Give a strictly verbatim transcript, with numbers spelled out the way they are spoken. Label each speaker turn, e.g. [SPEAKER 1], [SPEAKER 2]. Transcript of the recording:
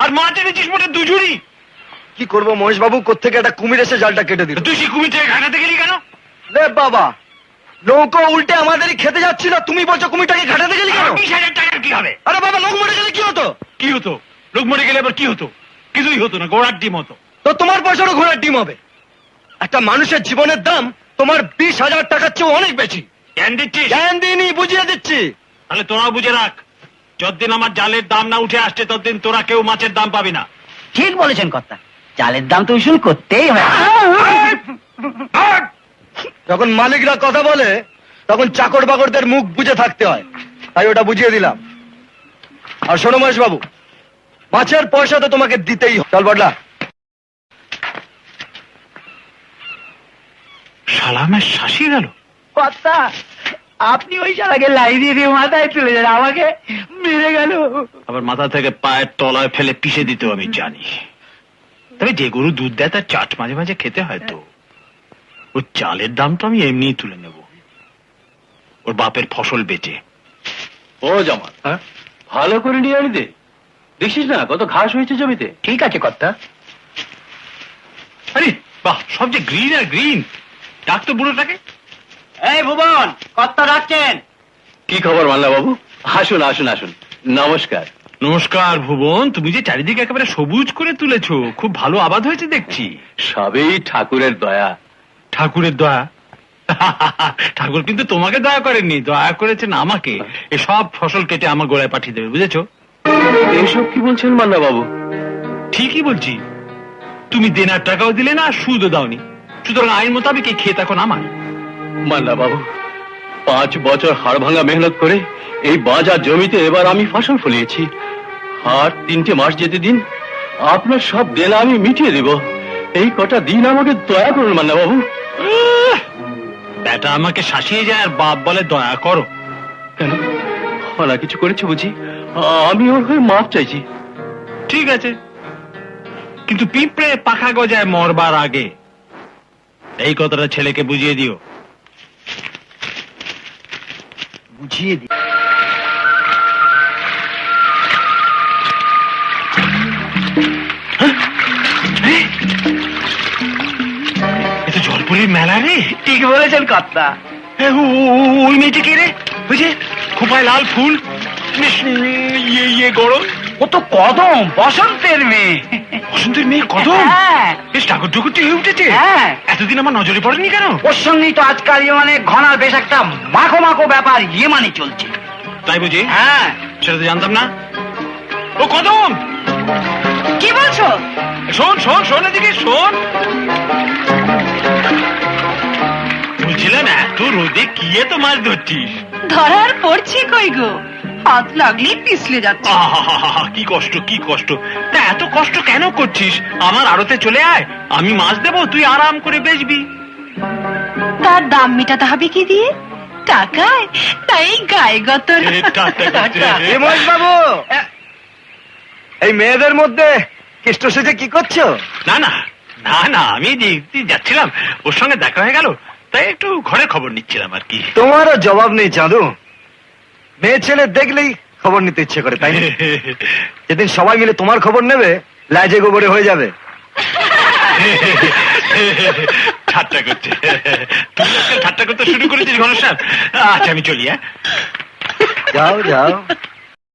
[SPEAKER 1] আর মাছ এনেছিস মোটে দুজুরি।
[SPEAKER 2] কি করবো মহেশ বাবু, কোত্থেকে একটা কুমির এসে জালটা কেটে দিল।
[SPEAKER 1] তুই সেই কুমির থেকে ঘাটাতে গেলি কেন?
[SPEAKER 2] রে বাবা, নৌকো উল্টে আমাদেরই খেতে যাচ্ছিল, তুমি বলছো কুমিরটাকে ঘাটাতে গেলি কেন?
[SPEAKER 1] বিশ হাজার টাকার কি হবে?
[SPEAKER 2] আরে বাবা, লোক মরে গেলে কি হতো?
[SPEAKER 1] কি হতো? লোক মরে গেলে আবার কি হতো? কিছুই হতো না, গোড়ার ডিম হতো।
[SPEAKER 2] তো তোমার পয়সারও ঘোড়ার ডিম হবে। একটা মানুষের জীবনের দাম তোমার বিশ হাজার টাকার চেয়ে অনেক বেশি।
[SPEAKER 1] জ্ঞান দিচ্ছিস?
[SPEAKER 2] জ্ঞান দিইনি, বুঝিয়ে দিচ্ছি।
[SPEAKER 1] তাহলে তোরা বুঝে রাখ, যতদিন আমার জালের দাম না উঠে আসছে ততদিন তোরা কেউ মাছের দাম পাবি না।
[SPEAKER 3] ঠিক বলেছেন কর্তা, জালের দাম তো উসুল করতেই হয়।
[SPEAKER 2] যখন মালিকরা কথা বলে তখন চাকর বাকরদের মুখ বুঝে থাকতে হয়, তাই ওটা বুঝিয়ে দিলাম। আর শোনো মহেশ বাবু, মাছের পয়সা তো তোমাকে দিতেই হবে। চল বড়লা।
[SPEAKER 1] সালামের শাসিয়ে গেল।
[SPEAKER 3] কর্তা, আপনি ওই শালাকে লাই দিয়ে দিয়ে মাথায় তুলে যান, আমাকে মেরে গেল।
[SPEAKER 1] আবার মাথা থেকে পায়ের তলায় ফেলে পিষে দিতেও আমি জানি। তবে যে গরু দুধ দেয় তার চাট মাঝে মাঝে খেতে হয় তো। ওর চালের দাম তো আমি এমনিই তুলে নেব, ওর বাপের ফসল বেচে।
[SPEAKER 4] ও জামাল, ভালো করে নিয়ে আনি দে, দেখছিস না কত ঘাস হয়েছে জমিতে।
[SPEAKER 3] ঠিক আছে কর্তা।
[SPEAKER 1] আরে বাহ, সব যে গ্রিন আর গ্রিন। ডাক তো বুড়োটাকে।
[SPEAKER 3] এই ভুবন, কর্তা ডাকছেন।
[SPEAKER 4] কি খবর মাল্লা বাবু? আসুন আসুন আসুন, নমস্কার।
[SPEAKER 1] নমস্কার ভুবন, তুমি যে চারিদিকে একেবারে সবুজ করে তুলেছো, খুব ভালো আবাদ হয়েছে দেখছি।
[SPEAKER 4] সবই ঠাকুরের দয়া।
[SPEAKER 1] ঠাকুরের দয়া? ঠাকুর কিন্তু তোমাকে দয়া করেননি, দয়া করেছেন আমাকে। এসব ফসল কেটে আমার গোড়ায় পাঠিয়ে দেবে, বুঝেছো?
[SPEAKER 4] এসব কি বলছেন মাল্লা বাবু?
[SPEAKER 1] ঠিকই বলছি। তুমি দেনার টাকাও দিলে না, সুদও দাওনি, সুতরাং আইন মোতাবেক এই ক্ষেত এখন আমার।
[SPEAKER 4] মাল্লা বাবু, পাঁচ বছর হাড় ভাঙা মেহনত করে এই বাজার জমিতে এবার আমি ফসল ফলিয়েছি। আর তিনটে মাস যেতে দিন, আপনার সব দেনা আমি মিটিয়ে দেব। এই কটা দিন আমাকে দয়া করুন মাল্লা বাবু।
[SPEAKER 1] বেটা আমাকে শাসিয়ে যায় আর বাপ বলে দয়া করো।
[SPEAKER 4] কেন, ওরা কিছু করেছে বুঝি? আমি ওর হয়ে মাপ চাইছি।
[SPEAKER 1] ঠিক আছে, কিন্তু পিঁপড়ে পাখা গজায় মরবার আগে এই কথাটা ছেলেকে বুঝিয়ে দিও।
[SPEAKER 3] বুঝিয়ে দি।
[SPEAKER 1] এ তো জলপুরের মেলা রে।
[SPEAKER 3] ঠিক বলেছেন কর্তা।
[SPEAKER 1] এ, ও- ও- ও- ওই মেয়েটি কে রে? বুঝে খোপায় লাল ফুল, বেশ ইয়ে ইয়ে গরম।
[SPEAKER 3] ও তো কদম, বসন্তের মেয়ে।
[SPEAKER 1] বসন্তের মেয়ে কদম?
[SPEAKER 3] হ্যাঁ
[SPEAKER 1] বেশ ঠাকুর টুকুরটি হয়ে উঠেছে।
[SPEAKER 3] হ্যাঁ,
[SPEAKER 1] এতদিন আমার নজরে পড়েনি কেন?
[SPEAKER 3] ওর সঙ্গেই তো আজকাল মানে ঘনার বেশ একটা মাখো মাখো ব্যাপার ইয়ে মানে চলছে।
[SPEAKER 1] তাই বুঝি?
[SPEAKER 3] হ্যাঁ।
[SPEAKER 1] সেটা তো জানতাম না। ও কদম,
[SPEAKER 5] কি বলছো?
[SPEAKER 1] শোন শোন শোন, এদিকে শোন। বুঝলাম এত রোদে কি এত মাছ ধরছিস?
[SPEAKER 5] ধরার পড়ছে কই গো, হাত লাগলেই পিছলে যাচ্ছে।
[SPEAKER 1] আহা, কি কষ্ট কি কষ্ট। তা এত কষ্ট কেন করছিস? আমার আড়তে চলে আয়, আমি মাছ দেবো, তুই আরাম করে বেচবি।
[SPEAKER 5] তার দাম মেটাতে হবে কি দিয়ে? টাকায়? তাই গায়ে গতর।
[SPEAKER 1] এ, টাটা, টাটা।
[SPEAKER 2] এ মহেশ বাবু, এই মেয়েদের মধ্যে কেষ্ট সেজে কি করছো?
[SPEAKER 1] না না না না, আমি দেখতে যাচ্ছিলাম, ওর সঙ্গে দেখা হয়ে গেল, তাই একটু ঘরের খবর নিচ্ছিলাম আর কি।
[SPEAKER 2] তোমারও জবাব নেই চাঁদু, মেয়ে ছেলে দেখলেই খবর নিতে ইচ্ছে করে, তাই না? যেদিন সবাই মিলে তোমার খবর নেবে, লাজে গোবরে হয়ে যাবে।
[SPEAKER 1] ঠাট্টা করছে। তুই আজকাল ঠাট্টা করতে শুরু করেছিস ঘনশ্যাম। আচ্ছা আমি চলি। হ্যাঁ,
[SPEAKER 2] যাও যাও।